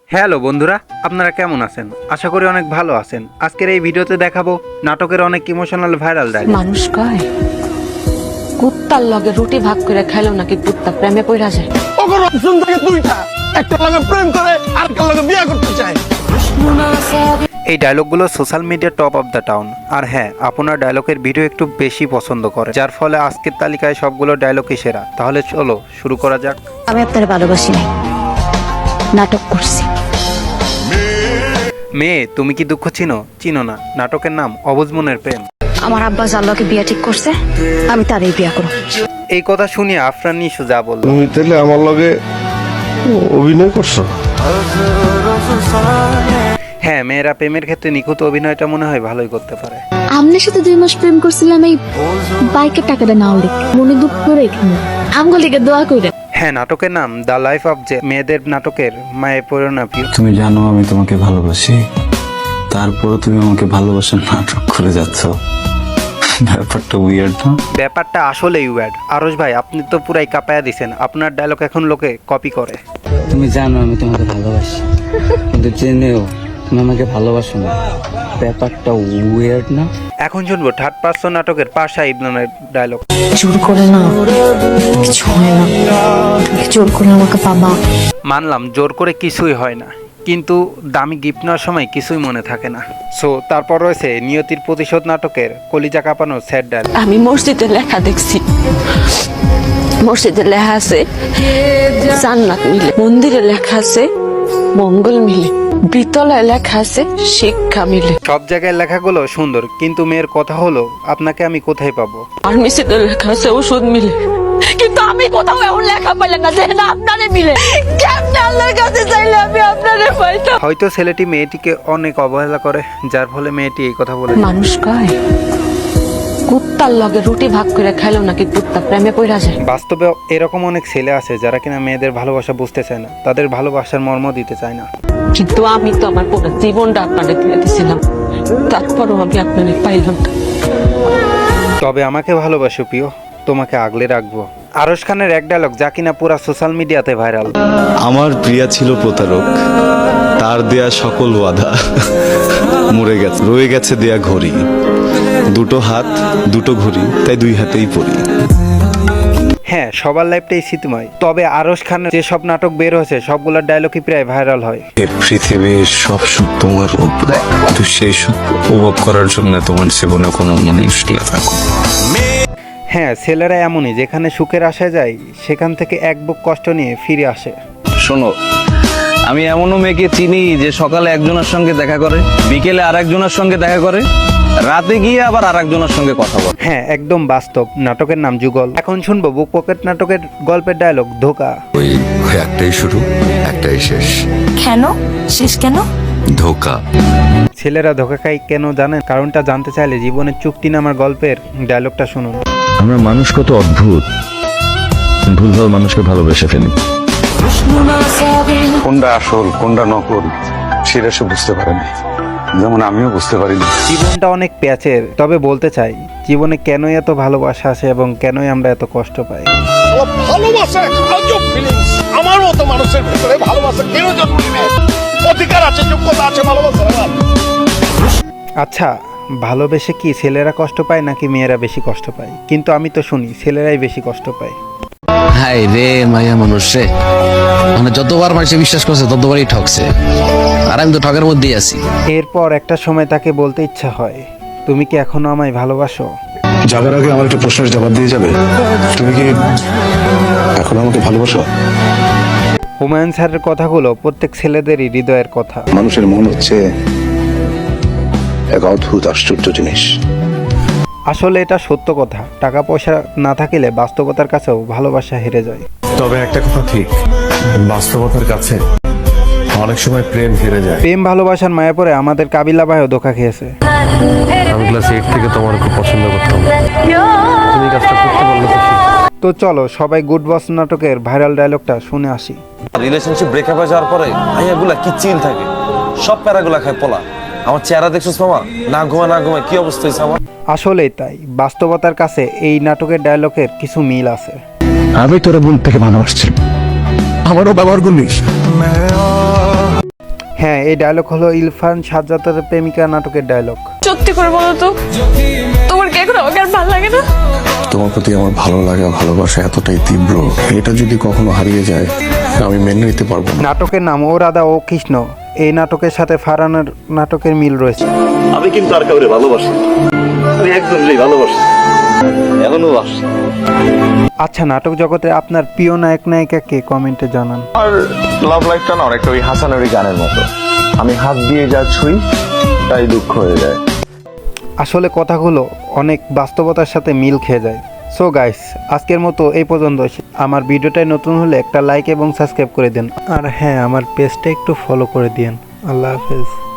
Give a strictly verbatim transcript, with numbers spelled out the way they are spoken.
Hello বন্ধুরা, আপনারা কেমন আছেন? আশা করি অনেক ভালো আছেন। আজকের এই ভিডিওতে দেখাবো নাটকের অনেক ইমোশনাল ভাইরাল ডায়লগ। মানুষ কয় কুত্তার লগে রুটি ভাগ করে খাইলো নাকি কুত্তা প্রেমে পড়া যায়। ওগর অপশন থাকে দুইটা, একটা লগে প্রেম করে আর একটা লগে বিয়ে করতে চায়। এই ডায়লগগুলো social media top of the town. আর হ্যাঁ, আপনার ডায়লগের ভিডিও একটু বেশি পছন্দ করে, যার ফলে আজকের তালিকায় সবগুলো ডায়লগই সেরা। তাহলে চলো শুরু করা যাক। আমি আপনার ভালোবাসি নাই, নাটক করছি। মেয়ে, তুমি কি দুঃখ চিনো? চিনো না? নাটকের নাম অবুঝ মনের প্রেম। আমার আব্বা যার লগে বিয়া ঠিক করছে, আমি তারই বিয়া করব। এই কথা শুনিয়ে আফরান নিশু যা বলল, তুমি তাহলে আমার লগে অভিনয় করছো? হ্যাঁ, মেয়েরা প্রেমের ক্ষেত্রে নিখুঁত অভিনয়টা মনে হয় ভালোই করতে পারে। আমনের সাথে দুই মাস প্রেম করছিলাম, এই বাইকের টাকাটা নাও লিখ মনে দুঃখ করে এখানে আমগুলিকে দোয়া করে। হ্যাঁ, নাটকের নাম দ্য লাইফ অফ জে। মেয়েদের নাটকের মায়ে পরিণা প্রিয়। তুমি জানো আমি তোমাকে ভালোবাসি, তারপরে তুমি আমাকে ভালোবাসার নাটক করে যাচ্ছ। ব্যাপারটা উইয়ার্ড না? ব্যাপারটা আসলেই উইয়ার্ড। আরশ ভাই, আপনি তো পুরাই কাঁপায়া দিছেন। আপনার ডায়লগ এখন লোকে কপি করে। তুমি জানো আমি তোমাকে ভালোবাসি, কিন্তু জেনেও তুমি আমাকে ভালোবাসো না। ব্যাপারটা উইয়ার্ড না? এখন শুনবো থার্ড পার্সন নাটকের পাশা ইবনানের ডায়লগ। জোর করে না, কিছু হয় না, জোর করে আমাকে পাবা। মানলাম জোর করে কিছুই হয় না, কিন্তু দামি গিফট নেওয়ার সময় কিছুই মনে থাকে না। সো তারপর রয়েছে নিয়তির প্রতিশোধ নাটকের কলিজা কাঁপানো স্যাড ডায়লগ। আমি মসজিদে লেখা দেখছি, মসজিদে লেখা আছে জান্নাত মিলে, মন্দিরে লেখা আছে মঙ্গল মিলে, বিতলায় লেখা আছে শিক্ষা মিলে। সব জায়গায় লেখাগুলো সুন্দর, কিন্তু মেয়ের কথা হলো আপনাকে আমি কোথায় পাবো। আর মিসিতে লেখা আছে ওষুধ মিলে, কিন্তু আমি কোথাও এমন লেখা পাইলাম না যে না আপনারে মিলে। কেমনে আল্লাহর কাছে চাইলে আমি আপনারে পাইতাম। হয়তো ছেলেটি মেয়েটিকে অনেক অবহেলা করে, যার ফলে মেয়েটি এই কথা বলে। মানুষ কয় কুত্তার লগে রুটি ভাগ করে খাইলো নাকি কুত্তা প্রেমে পড়া যায়। বাস্তবে এরকম অনেক ছেলে আছে যারা কিনা মেয়েদের ভালোবাসা বুঝতে চায় না, তাদের ভালোবাসার মর্ম দিতে চায় না। কিন্তু আমি তো আমার পুরো জীবনটা আপনারে দিয়ে দিয়েছিলাম, তারপরও আমি আপনারে পাইলাম না। তবে আমাকে ভালোবাসো প্রিয়, তোমাকে আগলে রাখবো। আরশ খানের এক ডায়লগ যা কিনা পুরা সোশ্যাল মিডিয়াতে ভাইরাল। আমার প্রিয়া ছিল প্রতারক, তার দেয়া সকল ওয়াদা মরে গেছে, রয়ে গেছে দেয়া ঘড়ি। দুটো হাত দুটো ঘড়ি, তাই দুই হাতেই পড়ি। হ্যাঁ, সবার লাইফটাই স্মৃতিময়। তবে আরশ খানের যে সব নাটক বের হয়েছে সবগুলোর ডায়লগই প্রায় ভাইরাল হয়। এই পৃথিবীর সব সুখ তোমার উপরে, তো সেই সুখ উপভোগ করার জন্য তোমার জীবনে কোনো মানুষ থাকো। হ্যাঁ, ছেলেরা এমনই, যেখানে সুখের আশায় যায় সেখান থেকে এক বুক কষ্ট নিয়ে ফিরে আসে। শোনো, আমি এমনও মেয়েকে চিনি যে সকালে একজনের সঙ্গে দেখা করে, বিকেলে আর একজনের সঙ্গে দেখা করে, রাতে গিয়ে আবার আর একজনের সঙ্গে কথা বলে। হ্যাঁ, একদম বাস্তব। নাটকের নাম যুগল। এখন শুনবো বুক পকেট নাটকের গল্পের ডায়লগ ধোকা। ওই একটাই শুরু একটাই শেষ। কেন শেষ কেন? ধোকা। ছেলেরা ধোকা খায় কেন জানেন? কারণটা জানতে চাইলে জীবনের চুক্তি নামার গল্পের ডায়লগটা শুনুন। আমরা মানুষ কত অদ্ভুত, ভুলভাল মানুষকে ভালোবেসে ফেলি। কোনটা আসল কোনটা নকল সেটা সে বুঝতে পারেনি, যেমন আমিও বুঝতে পারিনি। জীবনটা অনেক প্যাচের, তবে বলতে চাই জীবনে কেনই এত ভালোবাসা আসে এবং কেনই আমরা এত কষ্ট পাই। ভালোবাসা একটা আজব ফিলিংস। আমার মতো মানুষের ভিতরে ভালোবাসা কেন জন্ম নেবে? অধিকার আছে, যোগ্যতা আছে ভালোবাসা। আচ্ছা, ভালোবেসে কি ছেলেরা কষ্ট পায় নাকি মেয়েরা বেশি কষ্ট পায়? কিন্তু আমি তো শুনি ছেলেরাই বেশি কষ্ট পায়। হাই রে মায়া মানুষ রে, মানে যতবার মানুষে বিশ্বাস করছে ততবারই ঠকছে, আর আমি তো ঠকের মধ্যেই আছি। এরপর একটা সময় তাকে বলতে ইচ্ছা হয়, তুমি কি এখনো আমায় ভালোবাসো? যাবার আগে আমার একটা প্রশ্নের জবাব দিয়ে যাবে, তুমি কি এখন আমাকে ভালোবাসো? হুমায়ুন স্যারের কথাগুলো প্রত্যেক ছেলেদেরই হৃদয়ের কথা। মানুষের মন হচ্ছে এক অদ্ভুত আশ্চর্য জিনিস। আসলে এটা সত্য কথা। টাকা পয়সা না থাকলে বাস্তবতার কাছেও ভালোবাসা হেরে যায়। তবে একটা কথা ঠিক, বাস্তবতার কাছে অনেক সময় প্রেম হেরে যায়। প্রেম ভালোবাসার মায়া পড়ে আমাদের কাবিলা ভাইও ধোকা খেয়েছে। আমি ক্লাস এইট থেকে তোমার খুব পছন্দ করতাম, তুমি কাজটা করতে পারলে তো। তো চলো সবাই গুড বস নাটকের ভাইরাল ডায়লগটা শুনে আসি। রিলেশনশিপ ব্রেকআপ হয়ে যাওয়ার পরে আইয়াগুলা কি চিল থাকে, সব প্যারাগুলা খায় পোলা। আমার চেহারা দেখছিস মামা, না ঘুমা না ঘুমা কি অবস্থা হয়েছে আমার। আসলেই তাই, বাস্তবতার কাছে এই নাটকের ডায়লগের কিছু মিল আছে। আমি তোরা ভুল থেকে ভালোবাসছি, আমারও ব্যবহার করিস। হ্যাঁ, এই ডায়লগ হলো ইরফান সাজ্জাদের প্রেমিকা নাটকের ডায়লগ। সত্যি করে বলো তো, তোমার কি এখন আমাকে আর ভালো লাগে না? তোমার প্রতি আমার ভালো লাগা ভালোবাসা এতটাই তীব্র, এটা যদি কখনো হারিয়ে যায় আমি মেনে নিতে পারবো না। নাটকের নাম ও রাধা ও কৃষ্ণ। এই নাটকের সাথে ফারহানের নাটকের মিল রয়েছে। আমি কিন্তু আর কাউরে ভালোবাসি, আমি একজনকেই ভালোবাসি, এখনো বাসি। আচ্ছা, নাটক জগতে আপনার প্রিয় নায়ক নায়িকাকে কমেন্টে জানান। আর লাভ লাইফটা না অনেকটা ওই হাসানের ওই গানের মতো, আমি হাত দিয়ে যা ছুঁই তাই দুঃখ হয়ে যায়। আসলে কথাগুলো অনেক বাস্তবতার সাথে মিল খেয়ে যায়। সো গাইস, আজকের মতো এই পর্যন্ত। আমার ভিডিওটাই নতুন হলে একটা লাইক এবং সাবস্ক্রাইব করে দিন। আর হ্যাঁ, আমার পেজটা একটু ফলো করে দিন। আল্লাহ হাফেজ।